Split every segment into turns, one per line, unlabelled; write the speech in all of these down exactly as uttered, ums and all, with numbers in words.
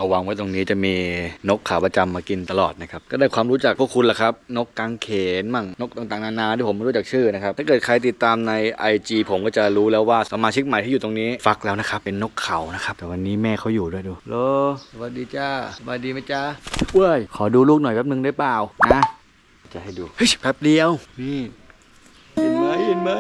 วางไว้ตรงนี้จะมีนกขาประจำมากินตลอดนะครับก็ได้ความรู้จักพวกคุณแหละครับนกกังเขนมั่งนกต่างๆนานาที่ผมไม่รู้จักชื่อนะครับถ้าเกิดใครติดตามใน ไอ จี ผมก็จะรู้แล้วว่าสมาชิกใหม่ที่อยู่ตรงนี้ฟักแล้วนะครับเป็นนกเขานะครับแต่วันนี้แม่เขาอยู่ด้วยดูโลสวัสดีจ้าสวัสดีไหมจ้าเว้ยขอดูลูกหน่อยแป๊บนึงได้เปล่านะจะให้ดูเฮ้ยแป๊บเดียวนี่เห็นไหมเห็นไหม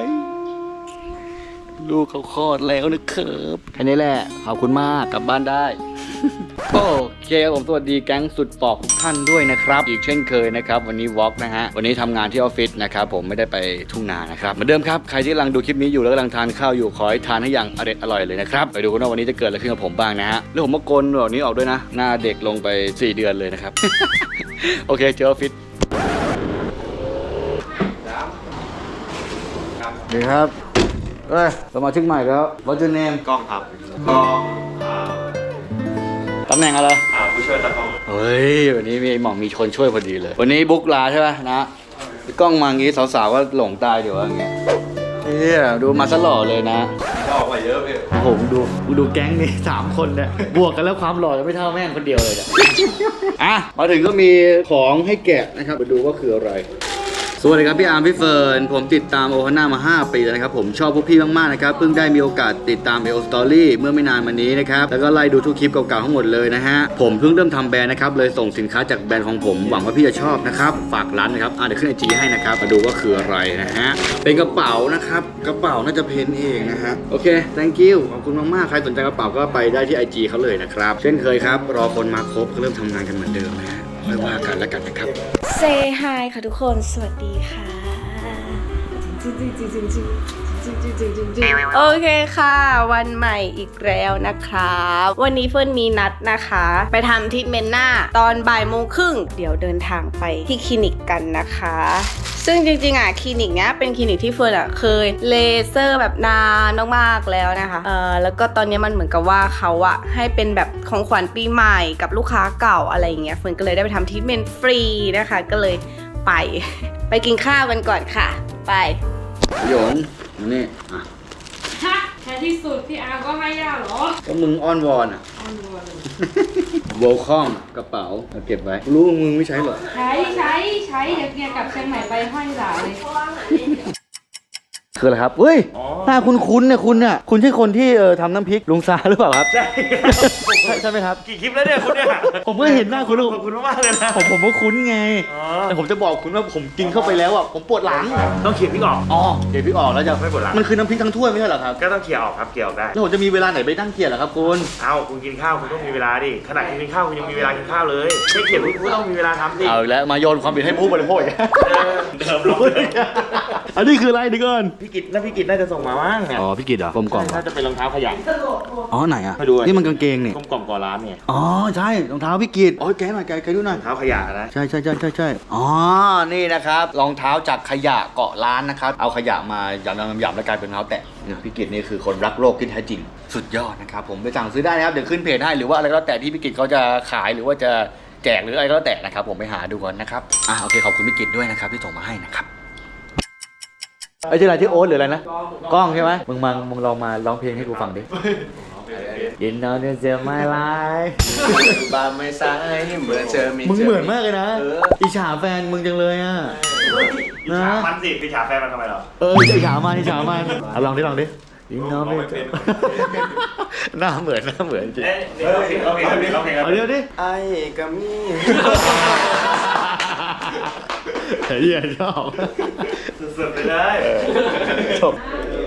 ลูกเขาคลอดแล้วนะครับแค่นี้แหละขอบคุณมากกลับบ้านได้ โอเคครับผมสวัสดีแก๊งสุดปอกทุกท่านด้วยนะครับอีกเช่นเคยนะครับวันนี้วอล์กนะฮะวันนี้ทำงานที่ออฟฟิศนะครับผมไม่ได้ไปทุ่งนานะครับเหมือนเดิมครับใครที่กำลังดูคลิปนี้อยู่แล้วกำลังทานข้าวอยู่ขอให้ทานให้อย่างอร่อยอร่อยเลยนะครับไปดูกันว่าวันนี้จะเกิดอะไรขึ้นกับผมบ้างนะฮะแล้วผมมาโกนแบบนี้ออกด้วยนะหน้าเด็กลงไปสี่เดือนเลยนะครับ โอเคเจอออฟฟิศดีครับเอ้ยสมาชิกใหม่แล้ว What's your name
กล้องครับกล้องอ่า
ตำแหน่งอะไร
อ่าผู้ช่วยตากล้อง
เฮ้ยวันนี้มีหม่องมีคนช่วยพอดีเลยวันนี้บุ๊กลาใช่ไหมนะกล้องมาอย่างงี้สาวๆก็หลงตายเดี๋ยวอย่างเงี้ยเฮ้ยดูมาซะหล่อเลยนะ
ก็ออกมาเยอะพี่
ผมดูดูแก๊งนี้สามคนเนี่ยบวกกันแล้วความหล่อจะไม่เท่าแม่งคนเดียวเลย อ่ะมาถึงก็มีของให้แกะนะครับมาดูว่าคืออะไรสวัสดีครับพี่อาร์มพี่เฟิร์นผมติดตามโอฮาน่ามาห้าปีแล้วนะครับผมชอบพวกพี่มากๆนะครับเพิ่งได้มีโอกาสติดตามเอลสตอรี่เมื่อไม่นานมานี้นะครับแล้วก็ไล่ดูทุกคลิปเก่าๆทั้งหมดเลยนะฮะผมเพิ่งเริ่มทำแบรนด์นะครับเลยส่งสินค้าจากแบรนด์ของผมหวังว่าพี่จะชอบนะครับฝากร้านนะครับอ่ะเดี๋ยวขึ้นไอจีให้นะครับมาดูว่าคืออะไรนะฮะเป็นกระเป๋านะครับกระเป๋าน่าจะเพนเองนะฮะโอเค thank you ขอบคุณมากๆใครสนใจกระเป๋าก็ไปได้ที่ ไอ จี เขาเลยนะครับเช่นเคยครับรอคนมาครบก็เริ่มทำงานกันเหมือนเดิมนะฮะไม่ว่ากันแล้วกันนะครับ
Say hi ค่ะทุกคนสวัสดีค่ะโอเคค่ะวันใหม่อีกแล้วนะครับวันนี้เฟิร์นมีนัดนะคะไปทำทรีทเมนต์หน้าตอนบ่ายโมงครึ่งเดี๋ยวเดินทางไปที่คลินิกกันนะคะซึ่งจริงๆอ่ะคลินิกเนี้ยเป็นคลินิกที่เฟิร์นอ่ะเคยเลเซอร์แบบนานมากๆแล้วนะคะเออแล้วก็ตอนนี้มันเหมือนกับว่าเขาอ่ะให้เป็นแบบของขวัญปีใหม่กับลูกค้าเก่าอะไรอย่างเงี้ยเฟิร์นก็เลยได้ไปทำทรีทเมนต์ฟรีนะคะก็เลยไปไปกินข้าวกันก่อนค่ะไป
หยงนี่อ่ะ
ฮะแท้ที่สุดพี่อาร์ก็ให้ยาเหรอ
ก็มึงอ้อนวอนอ่ะ
อ้อนวอน
โวลคอมกระเป๋าเอาเก็บไว้รู้มึงไม่ใช้หรอ
ใช้ใช้ใช้เดี๋ยวเกียร์กลับเชียงใหม่ไปห้อยหลาเลย
คืออะไรครับเฮ้ยหน้าคุณคุ้นเนี่ยคุณเนี่ยคุณใช่คนที่เออทำน้ำพริกลุงซาหรือเปล่าครับใช่ใช่ไหมครับ
กี่คลิปแล้วเนี่ยคุณเนี่ย
ผมก็เห็นหน้าคุณ
ขอบคุณมากเลยนะ
ผมผมก็คุ้นไงแต่ผมจะบอกคุณว่าผมกินเข้าไปแล้วอ่ะผมปวดหลัง
ต้องเขี่ยพริกออก
อ๋อเขี่ยพริกออกแล้วจะ
ไม่ปวดหลัง
มันคือน้ำพริกทั้งถ้วยไม่ใช่เหรอครับ
ก็ต้องเขี่ยออกครับเขี่ยออกได้
แล้วผมจะมีเวลาไหนไปนั่งเขี่ยเหรอครับคุณ
เอ้าคุณกินข้าวคุณต้องมีเวลาดิขณะคุณกินข้าวคุณยังมีเวลากินข้าวเลยไม่เขี่ยคุณก็ต้องมีเวลาทำดิ
เอาแล้วมาโยนความผิดให้ผู้บริโภค
เดิมลง
อันนี้คืออะไรดิก่อน
พี่กิตนะพี่กิตน่าจะส่งมาบ้างเนี่ย
อ๋อพี่กิตเหรอกลมกล่อม
น่าจะเป็นรองเท้าขยะ
อ๋อไหนอ่ะ
มาดู
นี่มันกางเกงนี่
กลมกล่อมก่อร้านเนี่ย
อ๋อใช่รองเท้าพี่กิตโอ้ยแกหน่อยแกแกดูหน่อย
รองเท้าขยะนะ
ใช่ใช่ใช่ใช่ใช่อ๋อนี่นะครับรองเท้าจากขยะเกาะร้านนะครับเอาขยะมาหยาบๆหยาบๆแล้วกลายเป็นรองเท้าแตะเนี่ยพี่กิตนี่คือคนรักโลกที่แท้จริงสุดยอดนะครับผมไปสั่งซื้อได้นะครับเดี๋ยวขึ้นเพจให้หรือว่าอะไรก็แล้วแต่ที่พี่กิตเขาจะขายหรือว่าจะแจกหรืออะไรก็แล้วแต่นะครับผมไปหาดูก่อนนะครับอ่ะโอเคขอบคุณพี่กิตด้วยนะครับที่ส่งมาให้นะครับไอ้ชื่ออะไรที่โอ๊ตหรืออะไรนะกล้องใช่ไหมมึงมามึงลองมาร้องเพลงให้กูฟังดิยินดีที่เจอไม่ไลฟ์
บาไม่ซ้ายเหมือนเจอมี
มึงเหมือนมากเลยนะอิจฉาแฟนมึงจังเลยอ่ะ
อิจฉามันสิอิจฉาแฟนมันทำไมหรอ
เอออิจฉามันอิจฉามันเอาลองดิลองดิยินดีที่หน้าเหมือนหน้าเหมือนจริง
เฮ้ยเอาเพลงเอาเพลงเอาเพลง
เอาเดี๋ยวดิ
ไอ้กัมมี่
เฮ้ยชอบ
สุดๆไปเลย
จบ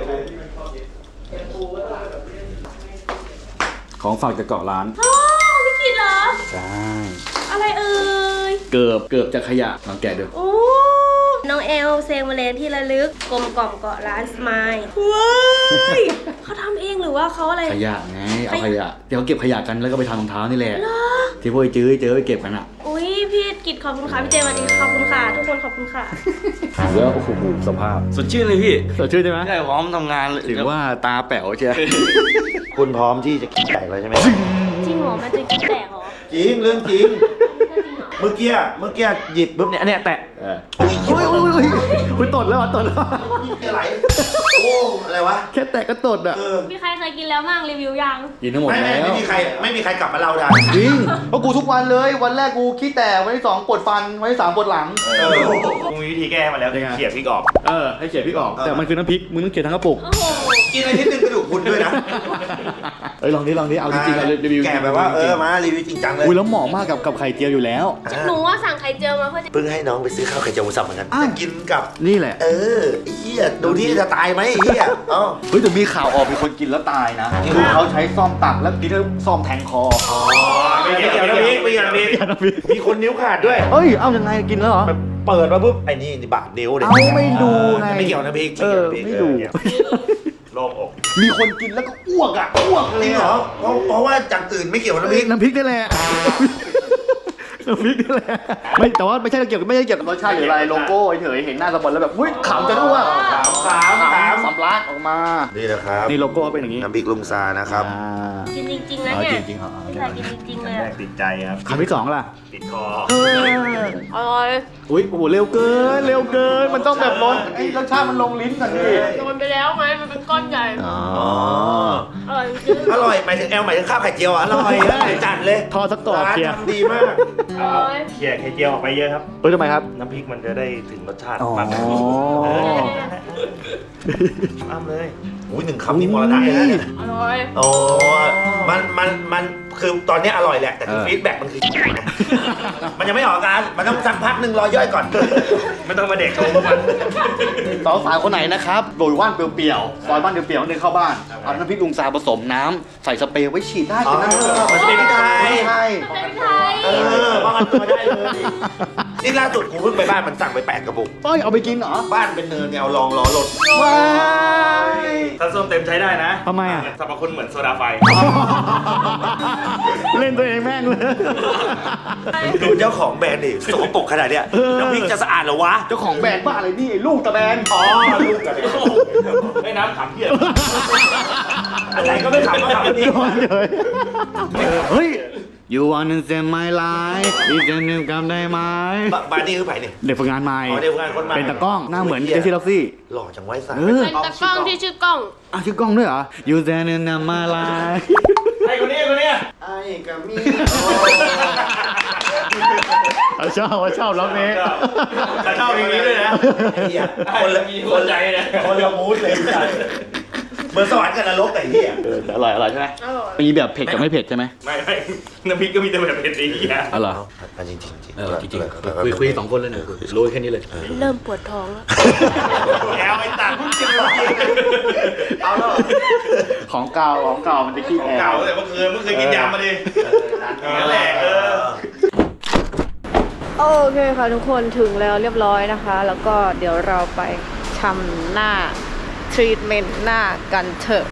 ของฝากจากเกาะร้าน
อ๋อพี่กินเหรอ
ใช่
อะไรเอ่ย
เกือบเกือบจะขยะลองแกะดู
โอ้น้องเอลเซงมาเลนที่ระลึกกลมกล่อมเกาะร้านสมายว้ายเขาทำเองหรือว่าเขาอะไร
ขยะไงเอาขยะเดี๋ยวเขาเก็บขยะกันแล้วก็ไปทำรองเท้านี่แหละที่พวกไอ้จื้อเจอไปเก็บกันอ่ะ
อุ้ยพี่กิตขอบคุณค่ะพี่เจวันนี้ขอบคุณค่ะทุกคนขอบคุณค่ะ
แล้วโอ้โหสภาพ
สดชื่นเลยพี่
สดชื่นใช่ไหม
ใช่พร้อมทำงานเลย
ถือว่าตาแป๋วใช่
คุณพร้อมที่จะคิดแตกเลยใช่ไหม
จริงเหรอมันจะคิดแตกเหรอ
จริงเรื่องจริงเมื่อกี้เมื่อกี้หยิบปุ๊บเนี่ยอันเนี้ยแตะ
โอ้ยโอ้ยโอ้ยคุณตดแล้วตดแล้ว
อะไรโอ้
อะไรวะ
แค่แตะก็ตดอ่ะ
เออ
มีใครเคยกินแล้วบ้างรีวิวยัง
กินทั้งหมด
ไม่
แล้
ไม่
ว
ไม่มีใครไม่มีใครกลับมาเล่าได้
จริงเพราะกูทุกวันเลยวันแรกกูขี้แตกวันที่สองปวดฟันวันที่สามปวดหลัง
เออ
กูมีวิธีแก้มาแล้ว
ยังไง
เขี่ยพริกออก
เออให้เขียนพริกออกแต่มันคือน้ำพริกมึงต้องเขียนทั้งกระปุก
โอ้โห
กินอะไรนิดนึงกระดูกพรุนด้วยนะ
เอ้ยลองดิลองดิเอาจริงๆเอารีวิว
แกแบบว่าเออมารีวิวจริงจังเลย
อุ้ยแล้วเหมาะมากกับกับไข่เจียวอยู่แล้ว
หนูว่าสั่งไข่เจียวมาเพื่อจะ
เพิ่งให้น้องไปซื้อข้าวไข่เจียวหมูสับเหมือนกัน
อ้าว
จะกินกับ
นี่แหละ
เออไอ้เหี้ยดูที่จะตายไหมไอ้เหี้ยอ๋อ
เฮ้ยแต่มีข่าวออกมีคนกินแล้วตายนะคือเขาใช้ซ่อมตักแล้วกินแล้วซ่อมแทงคอ
ไม่เกี่ยวนะพี่ไม่เกี่ยวนะพี่
น้ำพริก
มีคนนิ้วขาดด้วย
เอ้ยเอายังไงกินแล้วเหรอ
แบบเปิดมาปุ๊บไอ้นี่นี่บาดนิ้วเลย
เอาไม่ดูไง
ไม่เกี่ยวนะพี่
เออ
ไม่
ไม่
เกี่ยว
ดู
นะพี่
โล่งอก
มีคนกินแล้วก็อ้วกอ่ะอ้วก
จ
เล
ริ
ย
งเหรอเพราะเพราะว่าจากอื่นไม่เกี่ยวกับน้ำพริก
น้ำพริกนี่แหละน้ำพริกนี่แหละไม่แต่ว่าไม่ใช่เกี่ยวกับไม่ใช่เกี่ยวกับรสชาติหรืออะไรโลโก้เฉยๆเห็นหน้าสปอนแล้วแบบอุ้ยขำจะอ้วก
ขามขามขาม
สำลักออกมา
นี่นะครับ
นี่โลโก้เป็นอย่างนี้
น้ำพริกลุงซานะครับ
อ่า
กินจริงๆนะ
อ๋อ
เนี่ย
จริงๆเหรอ
พี่ชายกินจริงๆเลย
แร
อะ
กติดใจครับ
คำที่สองล่ะ
ติดคอ
เออ
อร่อย
อุ้ยโอ้โหเร็วเกินเร็วเกินมันต้องแบบร้อนไอ้รสชาติมันลงลิ้นก่อนดิ
โดนไปแล้วไหมมันเป็นก้อนใหญ่
อ๋อ
อร่อยจริง
อร่อยหมายถึงแอลหมายถึงข้าวไข่เจียวอ่ะอร่อยเลยจัดเลย
ทอดสักกรอบ
ร้าน
เชียร์
ทำดีมาก
อร่อย
เขี่ยไข่เจียวออกไปเยอะครับ
เฮ้ยทำไมครับ
น้ำพริกมันจะได้ถึงรสชาติ
อ๋อ
มากขึ้นเอออ้ำเลย
อุ้ยหนึ่งคำนี่มรณะเลยนะเนี่ย
อร่อย
โอ้มันมันมันคือตอนนี้อร่อยแหละแต่คือ
เออ
ฟีดแบ็กมันคือ มันยังไม่ออกอาการมันต้องสักพักหนึ่งรอย่อยก่อน
ไม่ต้องมาเด็กโชว์มัน
สาวสาวคนไหนนะครับโดยว่านเปรี้ยวๆซอยบ้านเปรี้ยวๆเดินเข้าบ้านเอาน้ำพริกลุงซาผสมน้ำใส่สเปรย์ไว้ฉีดได้
อ๋อ
นะ
มันเป็นพริกไทย
ใช่
มันเป็นไทย
เออป้องกันตัวได้เลยนี่ล่าสุดกูเพิ่งไปบ้านมันสั่งไปแปดกระปุก
เอ้ยเอาไปกินเหรอ
บ้านเป็นเนินเนี่ยเอาลองล้อรถ
ว้าย
ถ้าส้มเต็มใช้ได้นะ
ทำไมอะ
สรรพคุณเหมือนโซดาไฟ
เล่นตัวเองแม่งเลย
ดูเจ้าของแบรนด์ดิสกปรกขนาดเนี้ย
เออ
น้ำพริกจะสะอาดเหรอวะ
เจ้าของแบรนด์บ้าอะไรนี่ไอ้ลูกตะแบรนด์
อ๋อลูกกันเลย
ไม่น้ำขำเพี้ย
อะไรก็ไม่ขำก็ขำนี่
ย้อนเลยเฮ้ย You wanna save my life ดิฉันนึกกำได้ไหม
บ้านนี่คือไผ่เนี่ย
เด็กฝึกงานใหม่
อ๋อเด็กฝึกงานคนใหม่
เป็นตากล้องหน้าเหมือนเจสซี่ล็อกซี่
หล่อจังไว้สัก
เออ
เป็นตะกล้องที่ชื่อกล้อง
อ่ะชื่อกล้องด้วยเหรอ You stand in my life
ไอ้คนนี้คนนี้
ไอ้กับมี
เอาชอบเอาชอบร้องนี้
แต่ชอบเพลงนี้ด้วยนะ
เหี้ย
คนละมีคนใจนะ
คนละมูดเลยใช่เหมือนสวรรค์กับนรกแต่เหี้ย
เออแต่อร่อยอร่อยใช่ไหม
อร่อย
มีแบบเผ็ดกับไม่เผ็ดใช่ไหม
ไม่ไม่น้ำพริกก็มีแต่แบบเป็นสีอ่ะ
อ๋อเหรอ
จริงจริงจริง
เออจริงๆคุยคุยสองคนเลยเนี่ยรู้แค่นี้เลย
เริ่มปวดท้องแล้ว
แอลไอ้ตัดกินเลย
เอาแล้ว
ของเก่าของเก่ามันจะขี้แอ
เก่า
ร์
แต่เมื่อคืนเมื่อคืนกินยำมาดินั่นแหละเออ
โอเคค่ะทุกคนถึงแล้วเรียบร้อยนะคะ แล้วก็เดี๋ยวเราไปทำหน้าทรีทเมนต์หน้ากันเถอะ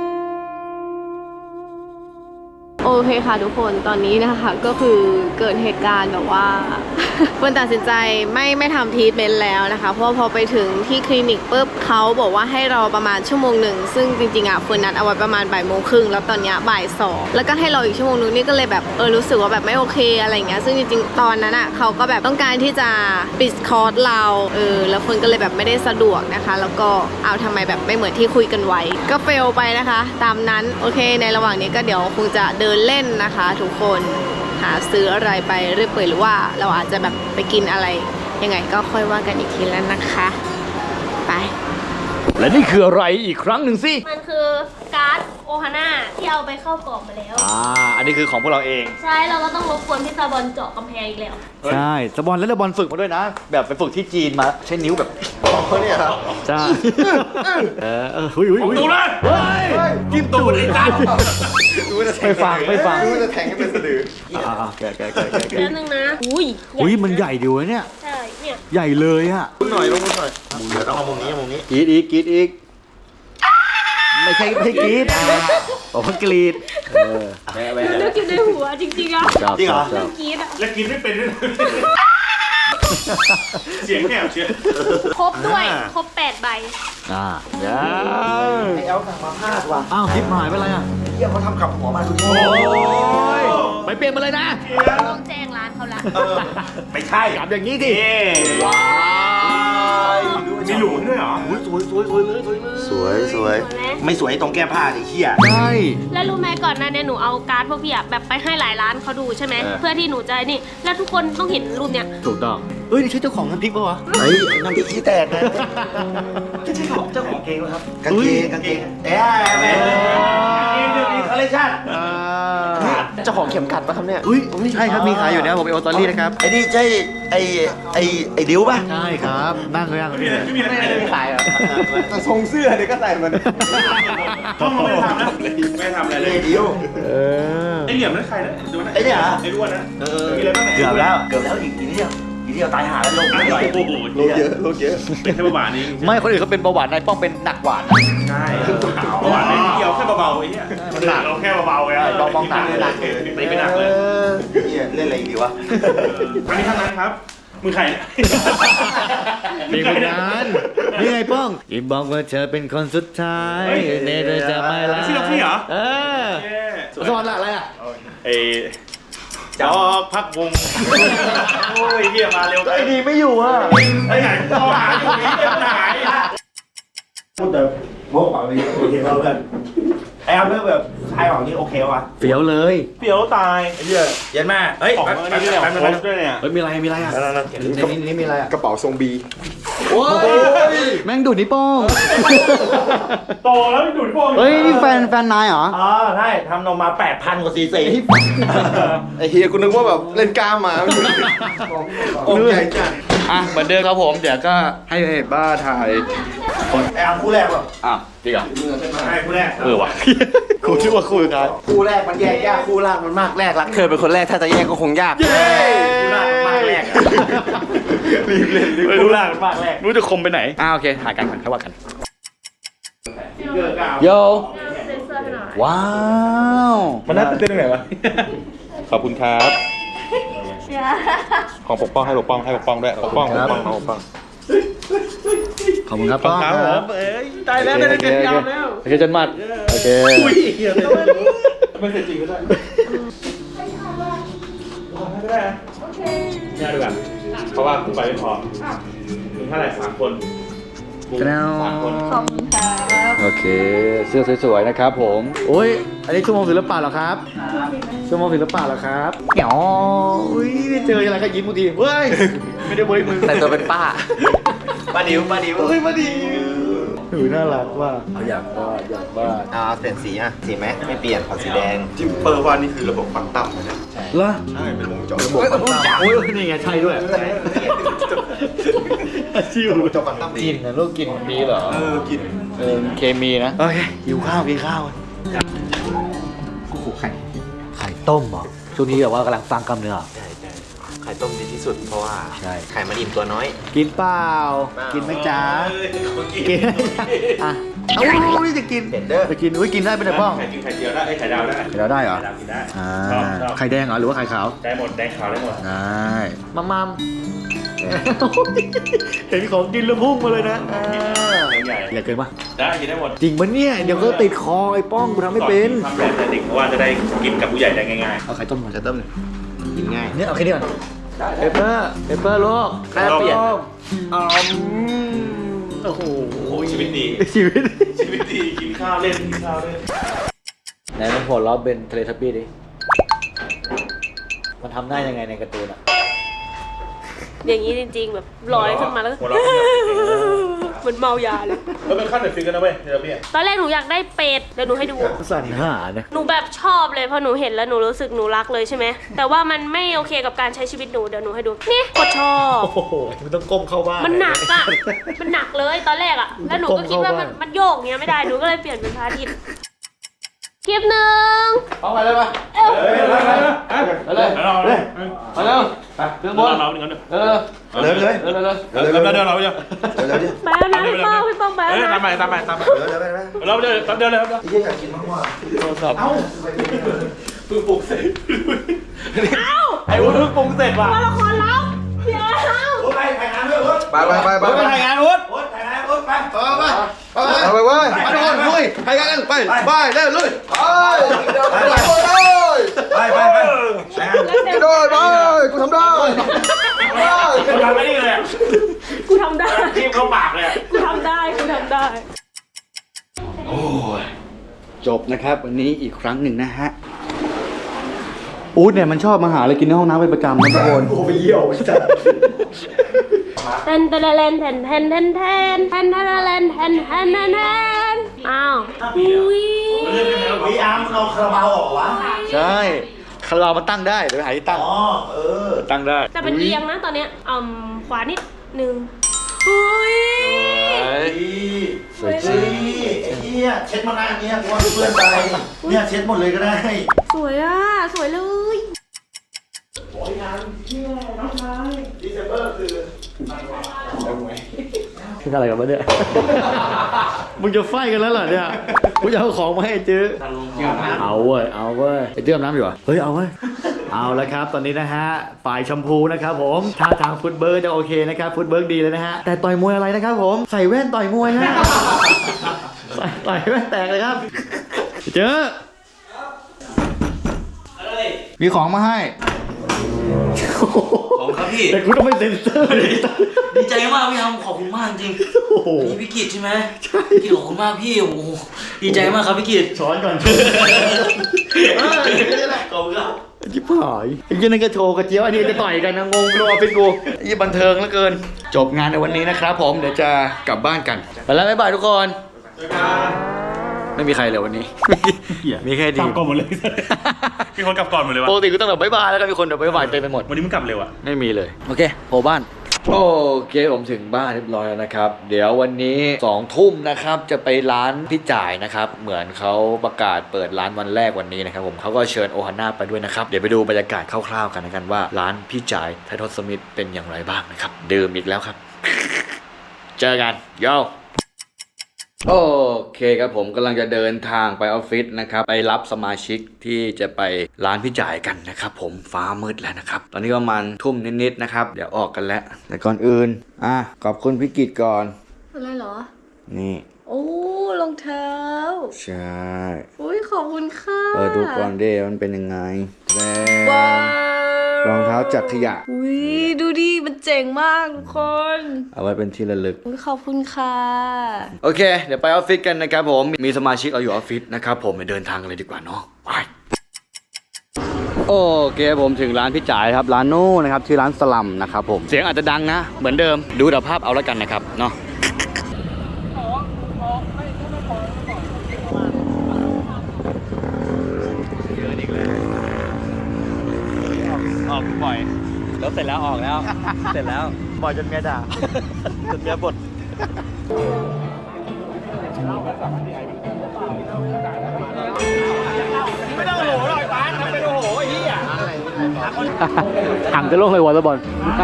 โอเคค่ะทุกคนตอนนี้นะคะก็คือเกิดเหตุการณ์แบบว่า เฟิร์นตัดสินใจไม่ไม่ทำทรีทเมนต์แล้วนะคะเพราะว่าพอไปถึงที่คลินิกปุ๊บเขาบอกว่าให้รอประมาณชั่วโมงหนึ่งซึ่งจริงๆอ่ะเฟิร์นนัดเอาไว้ประมาณบ่ายโมงครึ่งแล้วตอนเนี้ยบ่ายสองแล้วก็ให้รออีกชั่วโมงนึงนี่ก็เลยแบบเออรู้สึกว่าแบบไม่โอเคอะไรอย่างเงี้ยซึ่งจริงๆตอนนั้นอ่ะเขาก็แบบต้องการที่จะปิดคอร์สเราเออแล้วเฟิร์นก็เลยแบบไม่ได้สะดวกนะคะ แล้วก็เอาทำไมแบบไม่เหมือนที่คุยกันไว้ก็เฟลไปนะคะ ตามนั้นโอเคในระหว่างนี้ก็เดี๋ยวคงจะเดินเล่นนะคะทุกคนหาซื้ออะไรไปเรื่อยเปื่อยหรือว่าเราอาจจะแบบไปกินอะไรยังไงก็ค่อยว่ากันอีกทีแล้วนะคะไป
และนี่คืออะไรอีกครั้งหนึ่งสิ
มันคือการ์ดโอฮาน่าที่เอาไปเข้ากล่องมาแล้ว
อ่าอันนี้คือของพวกเราเอง
ใช่เราก็ต้องรบกวนพี่ซาบอลเจาะกำแพงอีกแล้ว
ใช่สบอลแล้วสบอลฝึกมาด้วยนะ แบบไปฝึกที่จีนมาใช้นิ้วแบบ
เขาเนี่ยครับ
ใช่เออเออหุยหุยหุย
ดูนะ
เฮ้ยกินตูดไอ้ตัน
ดูจะแทง
ไม่ฟังไม่ฟัง
ดูจะแทงให้เป็นสะดือ
อ่าๆแกะแกะแกะแกะแกะ
แล้วนึงนะ อุ้ย
อุ้ยมันใหญ่ดีวะเนี่ย
ใช่ เนี่ย
ใหญ่เลยอะ
มุมหน่อยลงมุมหน่อยเดี๋ยวต้องเอามุมนี้มุมนี้
กรีดอีกกรีดอีกไม่ใช่ไม่ใช่กรีดบอกว่ากรีดเออแวะแวะ
นึกอยู่ในหัวจริงๆอ่ะ
ชอบชอบชอบ
กรีดอ่ะ
แล้วกินไม่เป็นด้วยเสียงแหบเชียว
ครบด้วย ครบแปดใบ
อ่าเดี๋ยว
ไอ้แอลสั่งมาพลาดว่ะ
อ้าวทิปหายไปอะไรอ่ะ
เหี้ยเขาทำกับหัวมาดูดิ
โอ้ยไปเปลี่ยนมาเลยนะ
ต้องแจ้งร้านเขาละ
เออไม่ใช่
กลับอย่างนี้สิ
เอ๊
ว้าว
มีหลุมด้วยเหรออุ้ยสวยสวยสวยเลยสวยเลย
สวยสวยไม่สวยตรงแก้ผ้าไอ้เหี้ย
ใช่
แล้วรู้ไหมก่อนหน้านี้หนูเอาการ์ดพวกพี่อะแบบไปให้หลายร้านเขาดูใช่ไหมเพื่อที่หนูจะนี่แล้วทุกคนต้องเห็นรูปเนี้ย
ถูกต้องเฮ้ยนี่ใช่เจ้าของน้ำพริกปะวะ
เฮ้ยน้ำพริกขี้แตกนะ
ไม่ใช่ของเจ้าของเกงนะครับ
กางเกงกางเกงเอ๊ะแม่อีกหนึ่งอีกคอลเลคชั่น
อ่า
เจ้าของเข็มขัดปะครับเนี่ย
อุ้ยใช่ครับมีขายอยู่นะผมไปโอตอรี่นะครับ
ไอ้นี่ใช่ไอ้ไอ้ไอ้ดิวป่ะ
ใช่ครับนั่งเลยนั่งเลย
ไม่มีอะไรไม่มีขายเหรอ
แต่ทรงเสื้อเนี่ยก็ใส่มัน
ต้องไม่ทำนะไม่ทำอะไรเลย
ไอ้ดิว
เออ
ไอเหลี่ยมนั่นใครนะดูนะ
ไอ้เนี่ยเหรอ
ไอ้ด้วนนะ
เออ
มีอะไรบ้าง
เกือบแล้วเกือบแล้วอีกอีกนิดเดียวอีกนิดเดียวตายหาแล้วลง
โอ้
ไม่ไหว
โห
ลงเยอะลงเยอะ
เป็นแค่ประบาทนี้
ไม่คนอื่นเขาเป็นเบาหวานนายป้องเป็นหนักหวาน
ใช่ประบาทนี้เกี่ยวแค่เบาๆไอ้เหี้ยเราแค่เบาๆไงไม่เป็นหนักเลย
เหี้ยเล่นอะไรอีกดีวะ
อันนี้ทั้งนั้นครับมือใคร
มีคนนั้นนี่ไงป้องอีบอกว่าเธอเป็นคนสุดท้ายเนเธอจะไม่รัก
ชื่อเราพี่เหรอ
เออสอนอะไรอ่ะ
เอจอกพักวงโอ้ยเฮียมาเร็ว
ไอ้ดีไม่อยู่อ่ะ
ไอ้ไหนต่อหาอยู่นี่เป็นไหนพูดแต่โมกเปล่าเลยโอเคเพื่อนไอ้อัพแบบคลายออกนี่โอเควะ
เฟี้ยวเลย
เปียวตายไอ้เหี้ย
เย็นมากเฮ้ย
ของอันนี้เนี่ยโพสด้วยเนี่ย
เฮ้ยมีอะไรมีอะไรอ่ะในนี้นี่มีอะไรอ่ะ
กระเป๋าทรงบี
โอ้ยแม่งดูดนิ้วโป้ง
โตแล้วไม่ดูดพวก
เฮ้ยนี่แฟนแฟนนายเหรอ
อ๋อใช่ทำนมมาแปดพันกว่าซีซี
ไอ้เฮียกูนึกว่าแบบเล่นกล้ามมาอกใหญ่จัด
อ่ะเหมือนเดิมครับผมเดี๋ยวก็ให้บ้าถ่าย
ไอ้อันคู่แรกว่ะ
อ่ะจริงเหรอ
ใช่ผู้แรก
เออว่ะกูคิดว่าคุยกัน
คู่แรกมันแยกยากคู่ล่างมันมากแรกรักเธอเป็นคนแรกถ้าจะแยกก็คงยาก
เย้
คู่ล่างมันมากแรก
รีบเล่นรีบ
ผู้แรกมากแรก
รู้จะคมไปไหนอ่าโอเคถ่ายกันก่อนค่อยว่ากัน
เกิดกาว
โย
เซ็นเซอร์ให้หน่อย
ว้าว
มันน่าตื่นเต้นตรงไหนวะขอบคุณครับของปกป้องให้ปกป้องให้ปกป้องด้วยปกป้องปกป้องปกป้อง
ขอบคุณครับ
ขอบ
ป้อง
คุณครับผมเอ้ยตายแล้วได้เด็ดยาวแล้ว
โอเคจนมัดโอเค
อุ้ยเฮียไม่เคยจริงก็ได้ไม่ได้นะโอเคง่ายดีกว่าเพราะว่ากูไปไม่พอมึงเท่าไหร่สามคนกูสามคน
ขอบคุณครับ
โอเคเสื้อสวยๆนะครับผมโอ้ยอันนี้ชั่วโมงศิลปะเหรอครับชั่วโมงศิลปะเหรอครับเหี่ยวอุ้ยเจออะไรก็ยิ้มบางทีเฮ้ยไม่ได้เว้ยมึง
แต่ตัวเป็นป้าป้าดิวป้าดิว
เฮ้ยมาดีหนูน่ารักว่ะเอาอยากว่าอยากว่า
อ่าเปลี่ยนสีอ่ะสีไหมไม่เปลี่ยนขอสีแดง
ที่เปอร์ว่านี่คือระบบควอนตัมนะเนี่ย
เหรอ
ใช่เป็นวงจร
ระบบควอนตัมโอ้ยนี่ไงใช่ด้วยชิว
ระบบจรควอนตัม
กินนะลูกกินดีเหรอ
เออกิน
เออเคมีนะโอเคหิวข้าวกินข้าวกูขู่ไข่ไข่ต้มเหรอช่วงนี้แบบว่ากำลังฟังกำเนื้อ
ใช่ใช่ไข่ต้มดีที่สุดเพราะว่า
ใช่
ไข่มันอิ่มตัวน้อย
กินเปล่า
เปล่ากิ
กินไหมจ๊ะกินอ่ะเอ้านี่จะกิน
เห็นเด้อ
จะกินอุ้ยกินได้เป็นไงบ้าง
ไข่กินไข่เจียวได้ไอ้ไข่ดาวได้
ไข่ดาวได้เหรอ
ไข่ดาวกินได้
อ่า
ชอบชอบ
ไข่แดงเหรอหรือว่าไข่ขาว
ได้หมดแดงขาวได้หมด
ได้มัมมัมเห็นของกินแล้วพุ่งมาเลยนะอ่า
ใหญ่
อย่าเกินปะ
ได้กินได้หมด
จริงปะเนี่ยเดี๋ยวก็ติดคอไอ้ป้องกูทำไม่เป็น
ทำแบบแต่เด็กเพราะว่าจะได้กินกับผู้ใหญ่ได้ง่าย
เอาไข่ต้มมา
จะเติมเลยกินง่าย
เนี่ยเอาแค่นี้ก่อนเปเปอร์เปเปอร์ลูก
แม่เปลี่ยน
อ๋อโอ้โห
ๆ โอ้โหชีวิตดี
ชีวิต
ชีวิตดีกินข้าวเล่นกินข้าวเล่น
ไหนมันหัวล้อเป็นทะเลทับบี้ดิมันทำได้ยังไงในการ์ตูนอ่ะ
อย่างนี้จริงๆแบบลอยขึ้นมาแล้วก็
หัวเราะขึ้นมา
เหมือนเมายาเลย
แล้วเป็นขั้นเด็ดฟิกกันนะเว้ยเดี๋ยวพี่
ตอนแรกหนูอยากได้เป็ดเดี๋ยวหนูให้ดู
สั่นหาเนี่ย
หนูแบบชอบเลยพอหนูเห็นแล้วหนูรู้สึกหนูรักเลยใช่ไหมแต่ว่ามันไม่โอเคกับการใช้ชีวิตหนูเดี๋ยวหนูให้ดูนี่กดชอบ
โอ้โหมึงต้องก้มเข้าบ้าน
มันหนักอะมันหนักเลยตอนแรกอะแล้วหนูก็คิดว่ามัน
ก้มเข้าบ้าน
มันโยกเงี้ยไม่ได้หนูก็เลยเปลี่ยนเป็นพระอาทิตย์คลิปหนึ่ง
เอาไปเลยปะ
เอ้า
เฮ้ยเฮ้ยเฮ้ยเฮ้ย
ไปเลย
เอาเราเลย
ไปเร็วไปเครื่องบน
เราหนึ่งกันหนึ่ง
เออ
เลยเลย
เร็วเร็วเร็ว
เดี๋ยวเดี๋ยวเราเดี๋ยว
เร็วเร็วดิ
ไปแล้วนะพี่ป้องพี่ป้องไป
เฮ้ย
แล้ว
ตาม
นะ
ไปตามไปตามไป
เร็วเร็วเร็ว
เราเดี๋ยวเดี๋ยวเลยครับ
ไอ้เหี้ยอยากกินมากว่า
โทรศัพท์
เพิ่งปลุกเสร็จไอ้วุ้นเพิ่งปรุงเสร็จว่ะ
ละครลับเดี๋ยว
โอ๊ตไปถ่ายงานด้วยโอ๊ต
ไปไปไปไป
ไปถ่ายงานวุ้น
โอ๊ตถ่ายงานโอ๊ตไป
ไปไปไปไปเว้ยไปทุกคนลุยไปกันไปไปเร็วลุยไปหลายคนเลย
ไปไปไป
กระโดดไปกูทำได้
มันทำไม่ได้เลย
กูทำได้
ทีมเข้าปากเลย
กูทำได้ กูทำได้
โอ้ยจบนะครับวันนี้อีกครั้งหนึ่งนะฮะอู๊ดเนี่ยมันชอบมาหาอะไรกินในห้องน้ำเป็นประจำนะทุกคน
โอ้ไปเยี่ยวจัด
แทนแทนแทนแทนแทนแทนแทนแทนแทนแทนแทนแทนแทนแทนอ้าวอุ้ย
พี่อาร์มเอาคาราบาวออกวะ
ใช่คารามาตั้งได้เดี๋ยวไปหาที่ตั้ง
อ๋อเออ
ตั้งได้
จะเป็นเอียงนะตอนเนี้ยอืมขวานิดนึงอุ้ย
สวยจ
เฮ้
ริง
ยไอ้เหี้ยเช็ดมาหน้าเนี้ยกลัวเพื่อนไปเนี่ยเช็ดหมดเลยก็ได้
สวยอ่ะ สวยเลย
คืออะไรกันวะเนี่ย มึงจะไฟกันแล้วเหรอเนี่ยกูจะเอาของมาให้ไอ้จื้อเอาเว้ย เอาเว้ย ไอ้จื้ออาบน้ำอยู่เหรอ เฮ้ย เอาเว้ย เอาแล้วครับ ตอนนี้นะฮะ ฝ่ายชมพูนะครับผมท่าทางฟุตเบิร์กจะโอเคนะครับ ฟุตเบิร์กดีเลยนะฮะ แต่ต่อยมวยอะไรนะครับผม ใส่แว่นต่อยมวยฮะ ใส่ต่อยแว่นแตกเลยครับ เจอมีของมาให้
ขอบคุณครับพี่
แต่กูต้องไม่เซ็นเซอร์เลย
ดีใจมากพี่ทำขอบคุณมากจริง
โอ้โห
นี่พี่กิตใช่ไหมใช่พี่กิตขอบคุณมากพี่โอ้โหดีใจมากครับพี่กิต
ช้อนก่อน
ขอบคุณครับ
ยิบหายไอ้ยี่นั่นก็โชว์กระเจี๊ยวอันนี้จะต่อยกันนะงงรอเป็นกูไอ้ยี่บันเทิงเหลือเกิน จบงานในวันนี้นะครับผมเดี๋ยวจะกลับบ้านกันไปแล้วบ๊ายบายทุกคนไม่มีใครเลยวันนี้ มีแค่ดี
กลับก่อนหมดเลย มีคนกลับก่อนหมดเลยวะ
ปกติกูต้องแบบบ๊ายบายแล้วก็มีคนแบบบ๊ายบายเต็มไปหมด
วันนี้มึงกลับเร็วอะ
ไม่มีเลย โอเคโผล่บ้าน โอเคผมถึงบ้านเรียบร้อยแล้วนะครับ เดี๋ยววันนี้สองทุ่มนะครับจะไปร้านพี่จ่ายนะครับ เหมือนเขาประกาศเปิดร้านวันแรกวันนี้นะครับผมเขาก็เชิญโอฮาน่าไปด้วยนะครับเดี๋ยวไปดูบรรยากาศคร่าวๆกันนะกันว่าร้านพี่จ่ายไททอสมิธเป็นอย่างไรบ้างนะครับดื่มอีกแล้วครับ เจอกันโยโอเคครับผมกำลังจะเดินทางไปออฟฟิศนะครับไปรับสมาชิกที่จะไปร้านพี่จ่ายกันนะครับผมฟ้ามืดแล้วนะครับตอนนี้ประมาณทุ่มนิดๆนะครับเดี๋ยวออกกันแล้วแต่ก่อนอื่นอ่ะขอบคุณพี่กิตก่อน
อะไรเหรอ
นี่
โอ้รองเท้า
ใช่
อุ้ยขอบคุณค่ะ
เออดูก่อนเด้มันเป็นยังไงแล้
ว้าว
รองเท้าจากขยะ
อุ้ยดูดิมันเจ๋งมากทุกคน
เอาไว้เป็นที่ระลึก
อุ้ยขอบคุณค่ะ
โอเคเดี๋ยวไปออฟฟิศกันนะครับผมมีสมาชิกเราอยู่ออฟฟิศนะครับผมไปเดินทางกันเลยดีกว่าเนาะไปโอเคผมถึงร้านพี่จ่ายครับร้านนู้นนะครับชื่อร้านสลัมนะครับผมเสียงอาจจะดังนะเหมือนเดิมดูแต่ภาพเอาแล้วกันนะครับเนาะออกบ่อยแล้วเสร็จแล้วออกแล้ว เสร็จแล้วบ่อยจนเมียด่าจนเมียบ่นไม่ต้องโหหรอกป้าทำเป็นโหไอ้เหี้ยถังจะลงเลยวอลเลย์บอล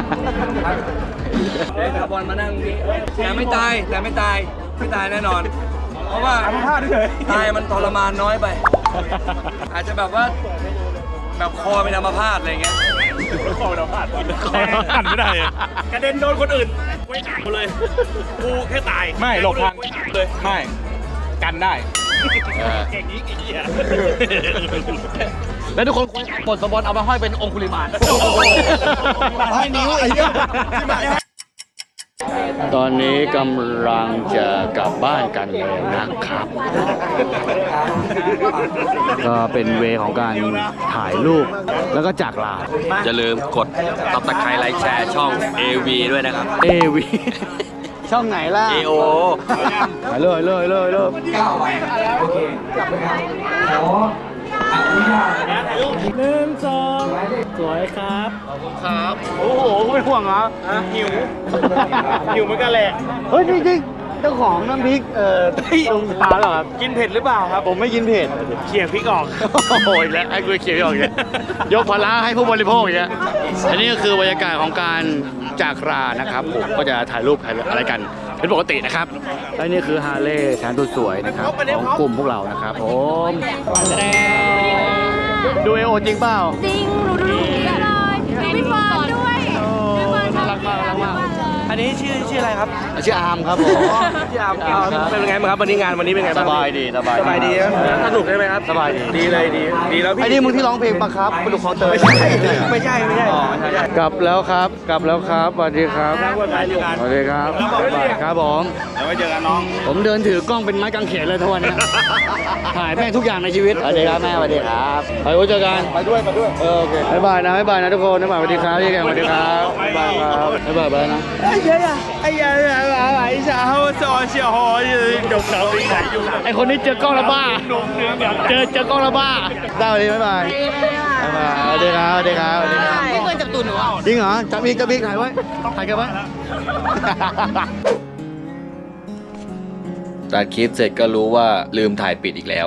เอาบอลมานั่งนี่แต่ไม่ตายแต่ไม่ตายไม่ตายแน่นอน เพราะว่าตายมันทรมานน้อยไป อาจจะแบบว่าแบบคอเป็นอัมพาตอะไรเงี้ย
คอเราพลาดหันไม่ได้กระเด็นโดนคนอื่นไว้หักเลยกูแค่ตายไม่หลบทางเลยไม่กันได้เก่งนี้กี่เหี้ย
แล้วทุกคนหมดสมบัติเอามาห้อยเป็นองคุลิมานห้อยนิ้วไอ้เหี้ยตอนนี้กำลังจะกลับบ้านกันเลยนะครับ ก็เป็นเวของการถ่ายรูปแล้วก็จากลา
อย่าลืมกดตับตะไคร้ไลค์แชร์ช่อง เอ วี ด้วยนะครับ
เอวี ช่องไหนล่ะ
เอ โอ
ไปเลยเลยเลยเลยหนึ่งสองสวยครับครับ โอ้โหไม่ห่วงเหรอหิว
อยู่เหมือนกันแหละ
เฮ้ยจริงๆเจ้าของน้ำพริกเอ่อตรงพาเหรอครับ
กินเผ็ดหรือเปล่าครับ
ผมไม่กินเผ็ด
เขี่ยพริกออก
โอ้โหอีกแล้วไอ้กูเขียวอีกแล้วยกภาระให้ผู้บริโภคอีกแล้วอันนี้ก็คือบรรยากาศของการจากลานะครับผมก็จะถ่ายรูปถ่ายอะไรกันเป็นปกตินะครับและนี่คือฮาร์เลย์แสนสวยนะครับของกลุ่มพวกเรานะครับผมดูเอโอจริงเปล่า
จริง หนูดูหนูเลยพี่เฟิร์นด้วยพี่เฟิร์น
น่ารักมากน่ารักมาก
อันนี้ชื่อชื่ออะไรครับ
ชื่ออาร์มครับผม
ชื่ออาร์มเป็นไงบ้างครับวันนี้งานวันนี้เป็นไง
ส
บ้าง
บายดีสบาย
สบายดีนะสนุกใช่ไหมครับ
สบายดี
ดีเลยดีดีแล้วพี่
ไอ้นี่มึงที่ร้องเพลงปะครับปลุกคอเตย
ไม่ใช่ไม่ใช่ไม่ใช่
กลับแล้วครับ กลับแล้วครับสวัสดีครับ
นั่งบนไม้เดียวกัน
สวัสดีครับครับผม
แล้วไว้เจอกันน้อง
ผมเดินถือกล้องเป็นไม้กางเขนเลยทุกวันเนี้ยถ่ายแม่งทุกอย่างในชีวิตสวัสดีครับแม่สวัสดีครับไปไว้เจอกันไปด้วยไปด้วยเออโอเคบ๊ายบายนะบ๊ายบายนะทุกคนบ๊ายบายสวัสดีครับพี่แกสวัสดีครับบ๊ายบายครับบ๊ายบายไปนะ
哎呀呀，哎呀呀，来一下，我找小伙有手一来用。
ไอคนนี้เจอกล้องและบ้า เจอเจอกล้องและบ้าได้สวัสดีบ๊ายบายบ๊ายบายสวัสดีครับสวัสดีครับสวัสดีครับ
ไม่ควรจับตูดหนูอ่ะ
จริงเหรอจับอีกจับอีกถ่ายไว้ถ่ายกันไว้ตัดคลิปเสร็จก็รู้ว่าลืมถ่ายปิดอีกแล้ว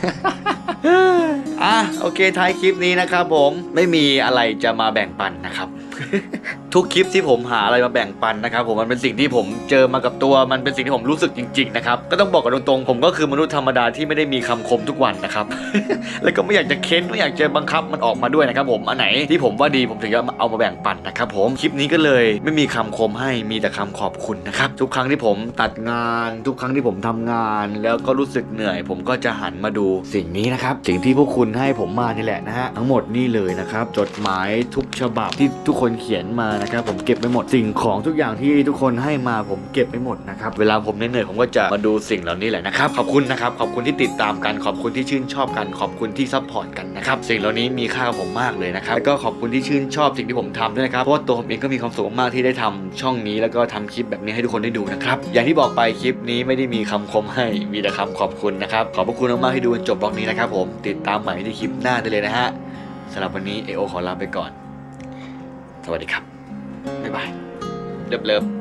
อ่ะโอเคท้ายคลิปนี้นะครับผมไม่มีอะไรจะมาแบ่งปันนะครับ ทุกคลิปที่ผมหาอะไรมาแบ่งปันนะครับผมมันเป็นสิ่งที่ผมเจอมากับตัวมันเป็นสิ่งที่ผมรู้สึกจริงๆนะครับก็ต้องบอกกันตรงๆผมก็คือมนุษย์ธรรมดาที่ไม่ได้มีคำคมทุกวันนะครับ แล้วก็ไม่อยากจะเค้นไม่อยากจะบังคับมันออกมาด้วยนะครับผมอันไหนที่ผมว่าดีผมถึงจะเอามาแบ่งปันนะครับผมคลิปนี้ก็เลยไม่มีคำคมให้มีแต่คำขอบคุณนะครับทุกครั้งที่ผมตัดงานทุกครั้งที่ผมทำงานแล้วก็รู้สึกเหนื่อย ผมก็จะหันมาดูสิ่งนี้นะครับสิ่งที่พวกคุณให้ผมมานี่แหละนะฮะทั้งหมดนี่เลยนะครับจดหมายทุกฉบับที่ทุกคนเขียนมานะครับผมเก็บไปหมดสิ่งของทุกอย่างที่ทุกคนให้มาผมเก็บไปหมดนะครับเวลาผมเหนื่อยๆผมก็จะมาดูสิ่งเหล่านี้แหละนะครับขอบคุณนะครับขอบคุณที่ติดตามกันขอบคุณที่ชื่นชอบกันขอบคุณที่ซัพพอร์ตกันนะครับสิ่งเหล่านี้มีค่ากับผมมากเลยนะครับแล้วก็ขอบคุณที่ชื่นชอบสิ่งที่ผมทำด้วยนะครับเพราะว่าตัวผมเองก็มีความสุขมากที่ได้ทำช่องนี้แล้วก็ทำคลิปแบบนี้ให้ทุกคนได้ดูนะครับอย่างที่บอกไปคลิปนี้ไม่ได้มีคำคมให้มีแต่คำขอบคุณนะครับขอบพระคุณมากๆที่ดูจนจบบล็อกนี้นะครับผมติดตามใหม่ที่คลิปหน้าได้เลยนะฮะสำหรับวันนี้เอโอขอลาไปก่อนสวัสดีครับบ๊ายบายเลิฟๆ